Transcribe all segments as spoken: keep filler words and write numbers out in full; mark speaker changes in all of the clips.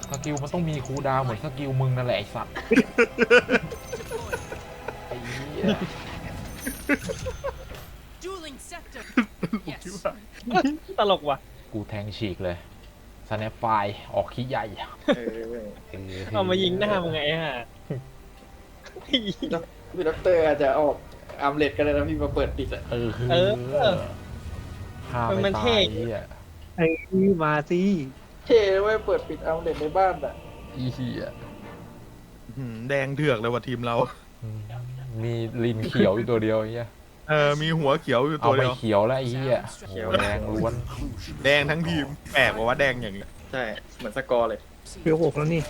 Speaker 1: สกิลมันต้องมีคูลดาวน์เหมือนสกิลมึงนั่นแหละไอ้สัตว์ไอ้เหี้ย
Speaker 2: ตลกว่ะ
Speaker 1: กูแทงฉีกเลยสแนปไฟออกขี้ใหญ่
Speaker 3: เออ
Speaker 2: เอามายิงหน้ามึงไงฮะ
Speaker 3: พี่ด็อกเตอร์อาจจะออกอาร์มเลดกันเลยนะพี่มาเปิดปิดอะ
Speaker 1: เออ
Speaker 2: เออ
Speaker 1: ฆ่า
Speaker 2: มัน
Speaker 1: ไม่
Speaker 2: เท่
Speaker 1: ตายไอ้เหี้ย
Speaker 4: ไอ้มาสิ
Speaker 3: เท่เว้ยเปิดปิดอาร์มเลดในบ้านอะ
Speaker 1: อีเหี้ย
Speaker 5: หืมแดงเถือกเลยว่ะทีมเรา
Speaker 1: มีลินเขียวอยู่ตัวเดียวไอ้เหี้ย
Speaker 5: เออมีหัวเขียวอยู่
Speaker 1: เอา
Speaker 5: ตัว
Speaker 1: ไป
Speaker 5: เดียว
Speaker 1: เขียวแล้วไอ้เหี้ยโอ้โหแดงล้วน
Speaker 5: แดงทั้งทีมแปลกว่าว่าแดงอย่างนี้
Speaker 3: ใช่เหมือนสกอร์เลย
Speaker 4: เพียวหกแล้วนี่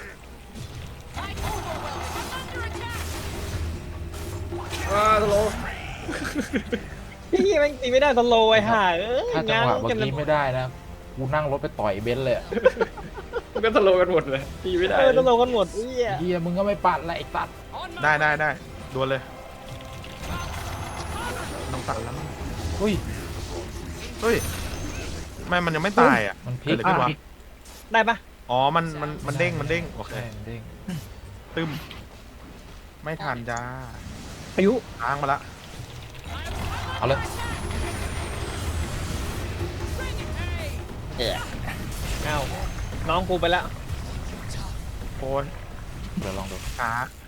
Speaker 3: อ้าตลก
Speaker 2: พี่แม่งตีไม่ได้ตโลไอ้ห่าเอ้ย
Speaker 1: ถ้าจังหวะเมื่อ
Speaker 2: กัน
Speaker 1: กี้ไม่ได้นะกูนั่งรถไปต่อยเบนซ์เลยอะ
Speaker 3: มันก็ตลกกันหมดเลยตีไม่ได้
Speaker 2: เออตโลกันหมดเอ้ย
Speaker 1: เหี้ยมึงก็ไม่ปัดแหละไอ้สัตว์
Speaker 5: ได้ได้ได้ดวลเลยต้องตัดแล้ว
Speaker 1: อุ้ย
Speaker 5: เฮ้ยไม่มันยังไม่ตายอ่ะ
Speaker 1: มันพลิ
Speaker 5: เกิด
Speaker 1: ก
Speaker 5: อะไรขึ้นวะ
Speaker 2: ได้ปะ
Speaker 5: อ๋อมันมันมันเด้งมันเด้งโอเค
Speaker 1: ใช่มันเด้ง
Speaker 5: ตึมไม่ทันจ้า
Speaker 4: อายุ
Speaker 5: ล้างมาละ
Speaker 1: เอาเลย
Speaker 2: เอ้าน้องกูไปแล้ว
Speaker 5: โอ้ย
Speaker 1: เดี๋ยวลองดู
Speaker 5: ขา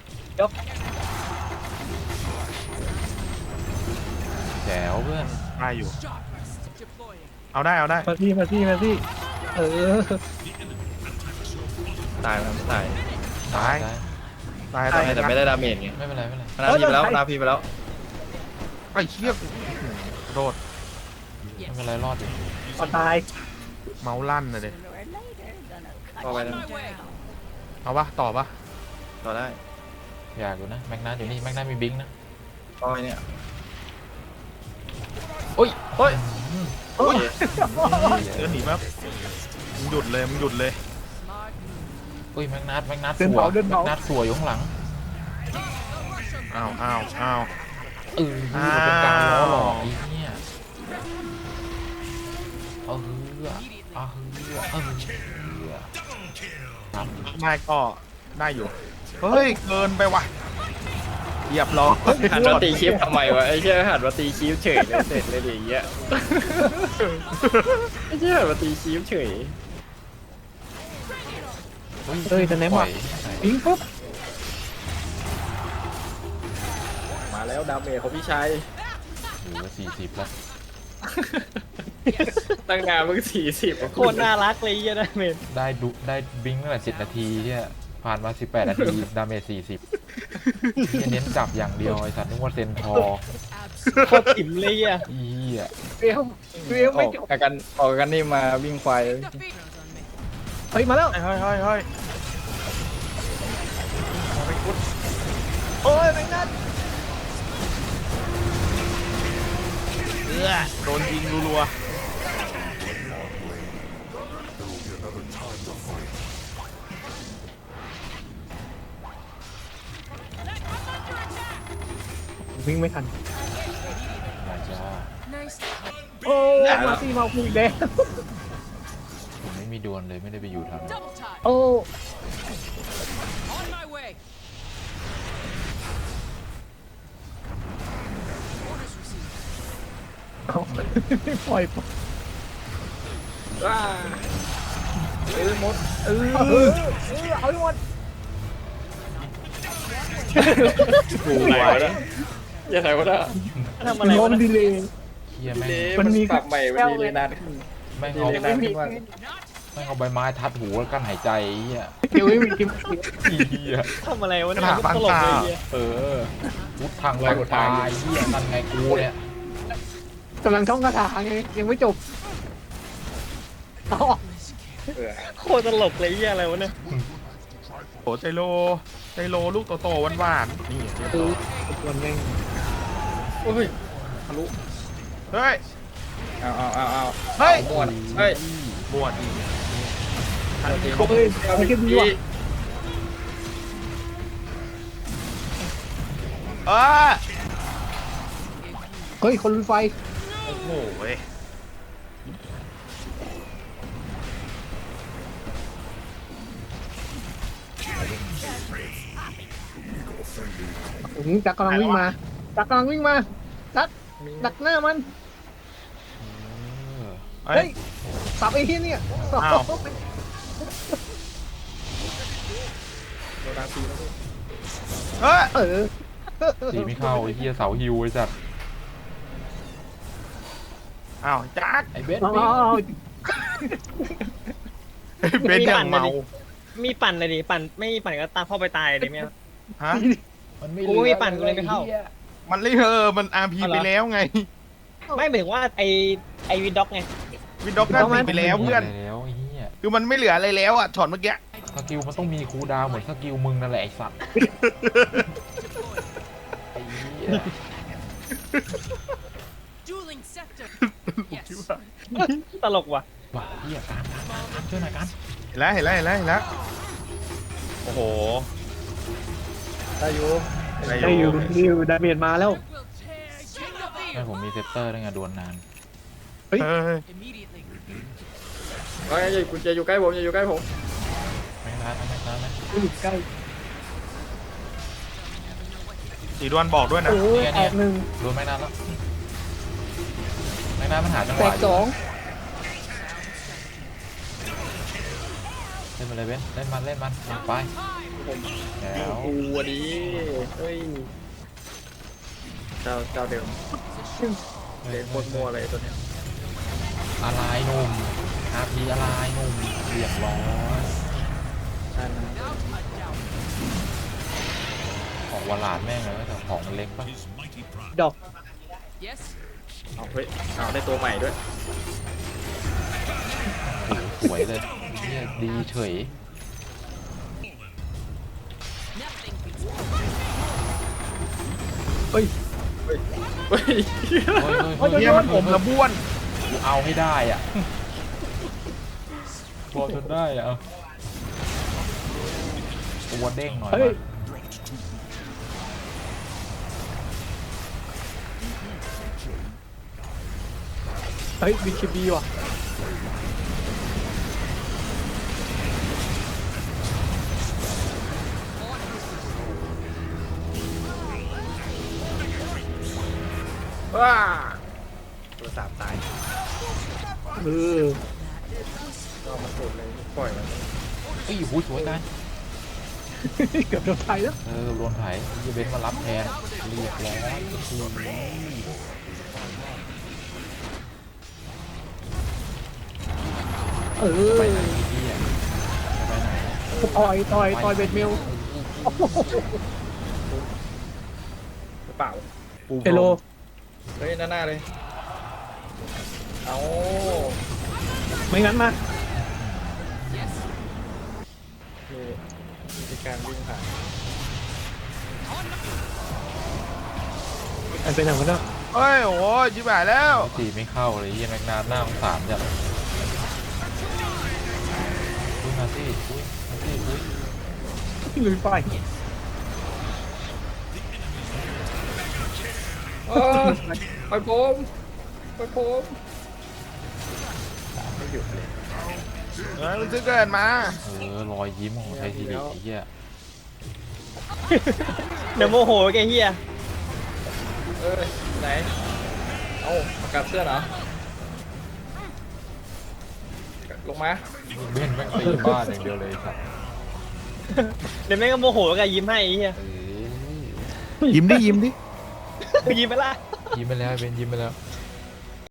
Speaker 1: แจ๋วเพื่อน
Speaker 5: ได้อยู่ เอาได้เอาได้
Speaker 4: มาที่มาที่มาที่เออ
Speaker 3: ตายมันตาย
Speaker 5: ตาย
Speaker 1: ได้
Speaker 5: ตาย
Speaker 3: ตา
Speaker 5: ตาย ย
Speaker 3: แต่ไม่ได้ดาเมจไง
Speaker 1: ไม่เป็นไรไม่เป็นไร
Speaker 3: นาพีไปแล้วนาพีไปแล้ว
Speaker 5: ไอ้เชี่ยโดด
Speaker 1: ไม่เป็นไรรอดอยู่
Speaker 4: ก่อนตาย
Speaker 5: เมาส์ลั่นนะเด็
Speaker 3: ต่อไปนะ
Speaker 5: เอาปะต่อปะ
Speaker 3: ต่อได้
Speaker 1: อยากอยู่นะแม็กนัทอยู่นี่แม็กนัทมีบิงค์นะ
Speaker 3: ต่อไปเนี่ย
Speaker 1: โอ้ย
Speaker 3: เฮ้ย
Speaker 5: โอ้ยเดินหนีแป๊บมึงหยุดเลยมึงหยุดเลย
Speaker 1: โอ้ยแม็กนัทแม็กนัท
Speaker 4: เดิน
Speaker 1: สัว
Speaker 4: เผาเดิน
Speaker 1: แม็
Speaker 4: เผาก
Speaker 1: นัทสัวอยู่ข้างหลัง
Speaker 5: อ้าวอ้าวอ้าว
Speaker 1: เออมันเป็นการล้อหลอกไอ้เนี่ยเออเออเออเออครับ
Speaker 5: ได้ก็ได้อยู่เฮ้ยเกินไปว่ะเหยียบล้อ
Speaker 3: หันมาตีคลิปทำไมวะไอ้เชี่ยหันมาตีคลิปเฉยเลยเสร็จเลยดิอย่างเงี้ยไอ้เชี่ยหันมาตีคลิปเฉย
Speaker 4: เอ้ยจะแนมว่ะปิ้งปุ๊บ
Speaker 3: มาแล้วดาเมจของพี่ชาย
Speaker 1: โอ้โหสี่สิบแล้ว
Speaker 3: ตั้งนานมึงสี่สิบ
Speaker 2: โคตรน่ารักเลยเหี้ยนะเมน
Speaker 1: ได้ดุได้บิงค์ตั้งแต่สิบนาทีเนี่ยผ่านมาสิบแปดนาทีดาเมจสี่สิบเน้นจับอย่างเดียวไอ้สัตว์นึกว่าเซนทอร์
Speaker 2: โคตรอิ่มเลยอ่ะ
Speaker 1: อีอ่ะ
Speaker 4: เพียวเพียว
Speaker 3: อ
Speaker 4: ไม่
Speaker 3: อก
Speaker 4: จบ
Speaker 3: กันออกกันนี่มาวิ่งควาย
Speaker 4: เฮ้ยมาแล้ว
Speaker 5: เฮ้ยเฮ้ยเฮ้ย
Speaker 4: โอ้ยแมงนัด
Speaker 5: เอื้อโดนยิงรัว
Speaker 4: วิ่งไม่ทัน
Speaker 1: มาจ้า
Speaker 4: โอ้มาสิมาคุยแดง
Speaker 1: ผมไม่มีดวลเลยไม่ได้ไปอยู่แถวนั้น
Speaker 4: โอ้เอาปล่อย
Speaker 3: ว้าเอ้ยมด
Speaker 4: เออเออเอาให้หมด
Speaker 3: กูไหนวะเนี่ยอย่าไหนวะเนี่ย
Speaker 2: ทำอะไร
Speaker 4: โด
Speaker 2: วะ
Speaker 4: น
Speaker 2: นะ
Speaker 4: ดีเลย
Speaker 1: เฮียแม่ง
Speaker 3: เล
Speaker 4: มันมี
Speaker 3: ปรับใหม่มันดีเลยนานขึ้น
Speaker 1: แม่ง
Speaker 3: ดี
Speaker 1: เอา
Speaker 3: เลยนานขึ้นมาก
Speaker 1: แม่งเอาใบไม้ทัดหูแล้วกั้นหายใจไอ้เฮีย
Speaker 4: เพียวไม่มีกิม
Speaker 1: เฮีย
Speaker 2: ทำอะไรวะเนี่ยตลกเลยเหี้ย
Speaker 1: เออพุทธังไรตายเฮียนั่นไงกูเนี่ย
Speaker 4: กำลังท่องคาถาไงยังไม่จบอ๋อ
Speaker 3: เออ
Speaker 2: โคตรตลกเลยเหี้ยอะไรวะเนี่ย
Speaker 5: ๆโหไซโลไซโลลูกโตๆหวานๆนี่เรียบ
Speaker 4: คื
Speaker 5: ร้
Speaker 4: อ
Speaker 5: อย
Speaker 4: ส่วนแม่ง
Speaker 3: โอ้ยทะลุ
Speaker 5: เฮ้ย
Speaker 3: เอาเอาเอาเอา
Speaker 5: เฮ้ย
Speaker 3: หมดเฮ้ย
Speaker 5: บวชอีก
Speaker 4: เฮ้ยไม่เก็บดีว่ะ
Speaker 5: เออ
Speaker 4: เฮ้ยคนลุยไฟ
Speaker 5: โอ้โหเว้ย
Speaker 4: อื้อหือจักรกำลังวิ่งมาจักรกำลังวิ่งมาจักดักหน้ามัน
Speaker 1: เออ
Speaker 5: เฮ้
Speaker 4: เฮ้
Speaker 5: ย
Speaker 4: ยสับไอ้ที่เนี่ยสับ
Speaker 5: อ้าว
Speaker 3: โดนดาซีแล้วพี่
Speaker 5: เฮ้ย
Speaker 4: เออ
Speaker 1: ตีไม่เข้าไอ้เหี้ยเสาฮิวไอ้สัตว์
Speaker 5: อ้าวจัก
Speaker 1: ไอ้เบส
Speaker 4: เอา
Speaker 1: วิ่ง
Speaker 4: เอาเอา
Speaker 5: เบนอย่างเมา
Speaker 2: มีปั่นเลยดิปั่นไม่มีปั่นก็ตามเข้าไปตายดิเนี่ย
Speaker 5: ฮะ
Speaker 1: มันไม่
Speaker 2: กูไม่มีปั่นกูเลยไม่เข้า
Speaker 5: มันเลยเออมันอาร์พี
Speaker 2: เอาเหร
Speaker 5: ไป
Speaker 2: อ
Speaker 5: แล้วไง
Speaker 2: ไม่หมายถึงว่าไอไอวินด็อกไง
Speaker 5: วินด็อกก็ตีไปแล้วเพื่อน
Speaker 1: แล้วไอ้เหี้ย
Speaker 5: คือมันไม่เหลืออะไรแล้วอ่ะช็อตเมื่อกี้
Speaker 1: สกิลมันต้องมีคูลดาวน์เหมือนสกิลมึงนั่นแหละไอ้สัตว์ไอ้เหี้ย
Speaker 6: Dueling scepter.
Speaker 2: ตลกว่ะ
Speaker 1: ว้าเหี้ยการการการช่วยหน่อยการ
Speaker 5: เห็นแล้วเห็นแล้วเห็นแล้วเห็นแล้วโอ้โห
Speaker 3: ได้อยู่
Speaker 4: ได้อยู่ได้อยู่ดาเมจมาแล้ว
Speaker 6: Will tear King of
Speaker 1: ไม่ผมมีเซปเตอร์ด้วยไงดวลนาน
Speaker 5: เฮ้ย
Speaker 6: immediately.
Speaker 3: เฮ้ยอย่าคุณจะอยู่ใกล้ผมอย่าอยู่ใกล้ผม
Speaker 1: ไม่นานนะไม่นานนะ
Speaker 4: อยู่ใกล้
Speaker 5: สีดวนบอกด้วยนะ
Speaker 4: โอ้ยแตกหนึ่ง
Speaker 1: ดวลไม่นานแล้วไม่นานมันหาจังห
Speaker 4: แต
Speaker 1: วะ
Speaker 4: ก
Speaker 1: อ
Speaker 4: ส
Speaker 1: ยู่
Speaker 4: อง
Speaker 1: เล่นมาเลยเว้นเล่นมันเล่นมันลงไปแล้ว
Speaker 3: กูวันนี้เฮ้ยเจ้าเจ้าเดิมเด็กโคตรมัวเลยตัวเนี้ย
Speaker 1: อะไรหนุ่มอาพีอะไรหนุ่มเรียบร้อย
Speaker 3: ใช่นะ
Speaker 1: ของวาลานแม่งเลยแต่ของมันเล็กปะ
Speaker 4: ดอก
Speaker 6: Yes.
Speaker 3: เอาเฮ้ยเอาได้ตัวใหม่ด้วย
Speaker 1: โอ้โหสวยเลยเนี่ยดีเฉย
Speaker 6: Nothing.
Speaker 4: เฮ้ย
Speaker 3: เฮ้ย
Speaker 1: เฮ้ยเฮ้ยเฮ้ย
Speaker 5: เฮียมันผมละบ้วน
Speaker 1: กูเอาให้ได้อ่ะบอลจนได้อ่ะเอาตัวเด้งหน่อย
Speaker 4: เฮ้ย
Speaker 1: มา
Speaker 4: เฮ้ยบีเคบีว่ะ
Speaker 3: ว้าตัวสามตาย
Speaker 4: เออ
Speaker 3: ก็มาสุดเลยปล่อยมัน
Speaker 1: เฮ้ยหูยสวยกัน
Speaker 4: เกือบโดนไทยแล้ว
Speaker 1: เออโดนไถยี่เบนมารับแทนเรียบร้อยก็คือ
Speaker 4: เออ
Speaker 1: ไปไหนพี่อ่ะไปไหน
Speaker 4: ต่อยต่อยต่อยเบ็ดเมล
Speaker 3: กระเป๋า
Speaker 4: เฮโล
Speaker 3: เฮ้ยหน้าหน้าเลยเอา
Speaker 4: ไม่งั้นมา
Speaker 3: นี่วิธีการวิ่งผ่าน
Speaker 4: ไอ้เป็นอย่างนั้นนะ
Speaker 5: เฮ้ยโอ้โหจิบหายแล้ว
Speaker 1: ตีไม่เข้าเลยยี่แม็กนาหน้าสงสารจัดอุ้ยมาสิอุ้ยมาสิอุ้ย
Speaker 4: ลุยไฟ
Speaker 3: เออไปผมไปผมไม่หยุดเลย
Speaker 5: เฮ้ยมันจะเกิดมา
Speaker 1: เออรอยยิ้มของไทยทีวีไอ้เหี้ย
Speaker 2: เดี๋ยวโมโหแกเฮีย
Speaker 3: เอ้ยไหนเอาประกาศเสื้อเหรอลงมา
Speaker 1: เบ้นแม่งตีบ้านอย่างเดียวเลยครับ
Speaker 2: เดี๋ยวแม่งก็โมโหแกยิ้มให้ไอ้เฮีย
Speaker 1: เออ
Speaker 5: ยิ้มดิยิ้มดิ
Speaker 2: ยิ้มไปละ
Speaker 1: ยิ้มไปแล้วเบ้นยิ้มไปแล้ว
Speaker 3: เ